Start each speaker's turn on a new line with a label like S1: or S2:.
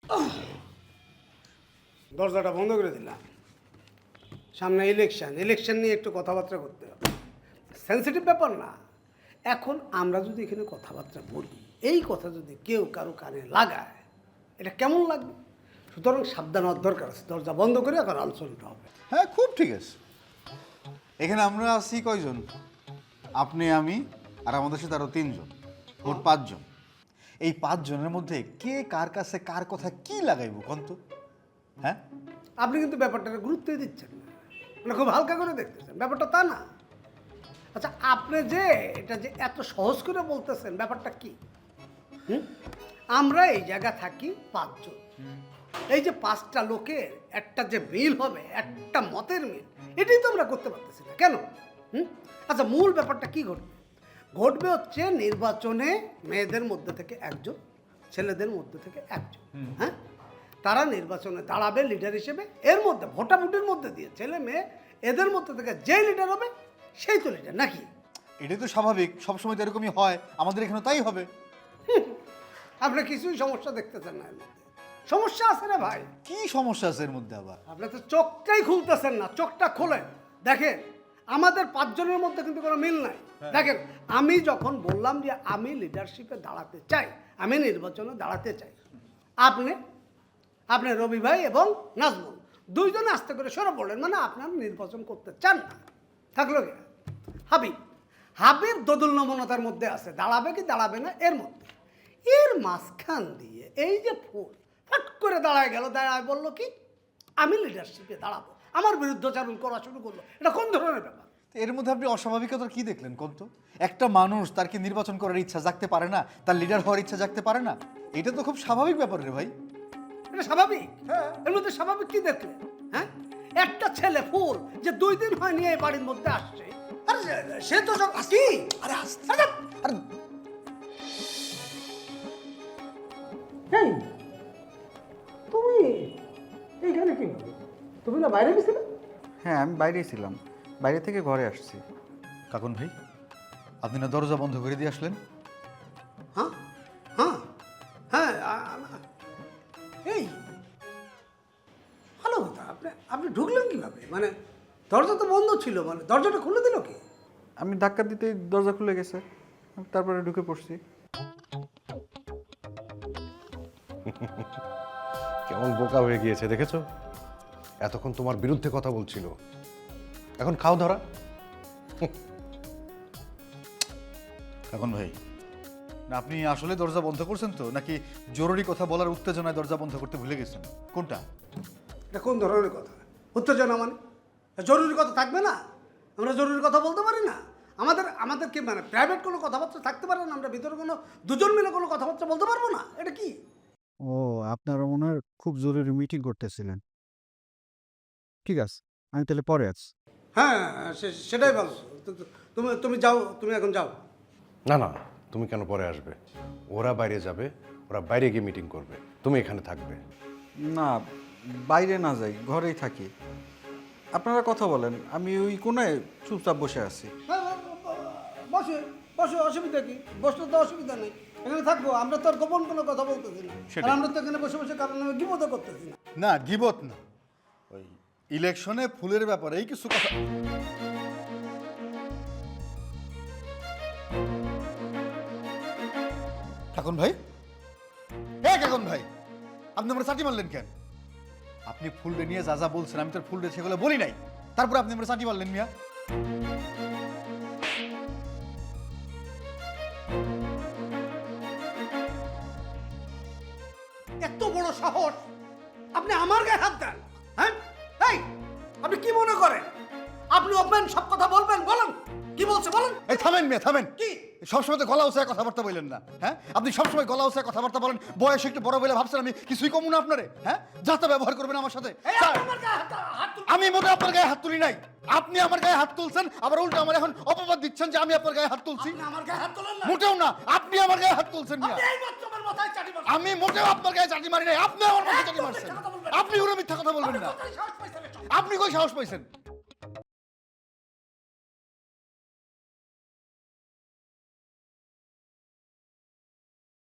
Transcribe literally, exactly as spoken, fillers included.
S1: দরজাটা বন্ধ করে দিলাম। সামনে ইলেকশন, ইলেকশন নিয়ে একটু কথাবার্তা করতে হবে। সেন্সিটিভ ব্যাপার না। এখন আমরা যদি এখানে কথাবার্তা বলি, এই কথা যদি কেউ কারো কানে লাগায়, এটা কেমন লাগবে? সুতরাং সাবধান হওয়ার দরকার আছে। দরজা বন্ধ করে এখন আলোচনাটা হবে।
S2: হ্যাঁ, খুব ঠিক আছে। এখানে আমরা আছি কয়জন? আপনি, আমি আর আমাদের সাথে আরো তিনজন, মোট পাঁচজন। এই পাঁচজনের মধ্যে কে কার কাছে কার কথা কি লাগাইব কন্ত? হ্যাঁ,
S1: আপনি কিন্তু ব্যাপারটাকে গুরুত্বই দিচ্ছেন না, মানে খুব হালকা করে দেখতেছেন। ব্যাপারটা তা না। আচ্ছা, আপনি যে এটা যে এত সহজ করে বলতেছেন, ব্যাপারটা কি? হুম আমরা এই জায়গা থাকি পাঁচজন। এই যে পাঁচটা লোকের একটা যে মিল হবে, একটা মতের মিল, এটাই তো আমরা করতে পারতেছি না কেন? হুম আচ্ছা, মূল ব্যাপারটা কি ঘটবে? ঘটবে হচ্ছে নির্বাচনে মেয়েদের মধ্যে থেকে একজন, ছেলেদের মধ্যে থেকে একজন। হ্যাঁ, তারা নির্বাচনে দাঁড়াবে লিডার হিসেবে। এর মধ্যে ভোটাভুটির মধ্যে দিয়ে ছেলে মেয়ে এদের মধ্যে থেকে যে লিডার হবে সেই তো লিডার, নাকি?
S2: এটাই তো স্বাভাবিক, সবসময় তো এরকমই হয়, আমাদের এখানে তাই হবে।
S1: আপনি কিছুই সমস্যা দেখতেছেন না এর মধ্যে। সমস্যা আছে না ভাই।
S2: কি সমস্যা আছে এর মধ্যে আবার?
S1: আপনি তো চোখটাই খুলতেছেন না। চোখটা খোলেন, দেখেন আমাদের পাঁচজনের মধ্যে কিন্তু কোনো মিল নাই। দেখেন, আমি যখন বললাম যে আমি লিডারশিপে দাঁড়াতে চাই, আমি নির্বাচনে দাঁড়াতে চাই, আপনি আপনি রবি ভাই এবং নাজমুল দুইজনে আস্তে করে সরে পড়লেন, মানে আপনার নির্বাচন করতে চান না। থাকলো কি হাবিব? হাবিব দোদুল নমনতার মধ্যে আছে, দাঁড়াবে কি দাঁড়াবে না এর মধ্যে। এর মাঝখান দিয়ে এই যে ফুল ফট করে দাঁড়ায় গেল, দাঁড়ায় বললো কি আমি লিডারশিপে দাঁড়াবো, আমার বিরুদ্ধাচারণ করা শুরু করলো। এটা কোন ধরনের ব্যাপার?
S2: এর মধ্যে আপনি অস্বাভাবিকতা কি দেখলেন কন্ত? একটা মানুষ তার কি নির্বাচন করার ইচ্ছা জাগতে পারে না, তার লিডার হওয়ার ইচ্ছা জাগতে পারে না? এটা তো খুব স্বাভাবিক ব্যাপার রে ভাই।
S1: এটা স্বাভাবিক? এর মধ্যে স্বাভাবিক কি দেখলেন? হ্যাঁ, একটা ছেলে ফুল যে দুই দিন হয় নিয়ে এই বাড়ির মধ্যে আসছে, আরে সে তো সব কি, আরে আস্তে আরে এই তুমি এইখানে কি করো? তুমি না বাইরে গেছিলে?
S3: হ্যাঁ, আমি বাইরেই ছিলাম, বাইরে থেকে ঘরে আসছি।
S2: কাকুন ভাই, আপনি না দরজা বন্ধ করে দিয়ে আসলেন?
S1: হ্যাঁ হ্যাঁ হ্যাঁ আ- আ- এই ভালো কথা। আপনি আপনি ঢুকলেন কিভাবে? মানে দরজা তো বন্ধ ছিল, মানে দরজাটা খুলে দিল কি?
S3: আমি ধাক্কা দিতেই দরজা খুলে গেছে, আমি তারপরে ঢুকে পড়ছি।
S4: কেমন বোকা হয়ে গিয়েছে দেখেছো? এতক্ষণ তোমার বিরুদ্ধে কথা বলছিল, এখন খাও ধরা।
S2: কাকুন ভাই, না আপনি আসলে দরজা বন্ধ করছেন তো, নাকি জরুরি কথা বলার উত্তেজনায় দরজা বন্ধ করতে ভুলে গেছেন? কোনটা?
S1: এটা কোন ধরনের কথা? উত্তেজনা মানে জরুরি কথা থাকবে না? আমরা জরুরি কথা বলতে পারি না? আমাদের আমাদের কি মানে প্রাইভেট কোনো কথাবার্তা থাকতে পারে না? আমরা ভিতরে কোনো দুজন মিলে কোনো কথাবার্তা বলতে পারবো না? এটা কি?
S3: ও, আপনারা মনে হয় খুব জরুরি মিটিং করতেছিলেন। ঠিক আছে, আমি তাহলে পরে আছি।
S1: হ্যাঁ, সে- সেটাই ভালো। তো- তো- তুমি তুমি যাও, তুমি এখন যাও।
S4: না না, তুমি কেন পরে আসবে? ওরা বাইরে যাবে, ওরা বাইরে গিয়ে মিটিং করবে, তুমি এখানে থাকবে।
S3: না, বাইরে না যাই, ঘরেই থাকি। আপনারা কথা বলেন, আমি ওই কোনায় চুপচাপ বসে আছি।
S1: হ্যাঁ, হ্যাঁ, বসে বসে অসুবিধা কি? বসলে তো অসুবিধা নেই, এখানে থাকবো। আমরা তো আর গোপন কোনো কথা বলতেছি না, আর আমরা তো এখানে বসে বসে কারণ আমি বিপদও করতেছি না।
S2: না, গিবত না, ওই ইলেকশনে ফুলের ব্যাপারে এই কিছু কথা। কাকুন ভাই, হ্যাঁ কাকুন ভাই, আপনি আমরা চাটি মারলেন কেন? আপনি ফুলটা নিয়ে যা যা বলছেন আমি তোর ফুলটা সেগুলো বলি নাই, তারপরে আপনি আমরা চাটি মারলেন মিয়া।
S1: এত বড় সাহস আপনি আমার গায়ে হাত দেন? হ্যাঁ, এই আপনি কি মনে করেন আপনি ওপেন সব কথা বলবেন? বলেন কি বলছে বলেন।
S2: এই থামেন মিয়া, থামেন।
S1: কি?
S2: সবসময় তো গলা উঁচায় কথাবার্তা বললেন না, হ্যাঁ? আপনি সবসময় গলা উঁচায় কথাবার্তা বলেন, বয়স একটু বড় বলে ভাবছেন আমি কিছুই কম না আপনারে, হ্যাঁ? যা তা ব্যবহার করবেন আমার সাথে।
S1: এই, আপনি আমার গায়ে হাত হাত তুলছেন।
S2: আমি মোটে আপনার গায়ে হাত তুলি নাই, আপনি আমার গায়ে হাত তুলছেন, আবার উল্টো আমার এখন অপবাদ দিচ্ছেন যে আমি আপনার গায়ে হাত তুলছি।
S1: আপনি আমার গায়ে হাত তোলেন না।
S2: মোটেও না, আপনি আমার গায়ে হাত তুলছেন মিয়া।
S1: আপনি এই মাত্র আমার মাথায় চাটি মারছেন।
S2: আমি মোটেও আপনার গায়ে চাটি মারি নাই, আপনি আমার মাথায় চাটি মারছেন। আপনি কোনো মিথ্যা কথা বলবেন না।
S1: কোথায় সাহস পাইছেন এসব?
S2: আপনি কই সাহস পাইছেন?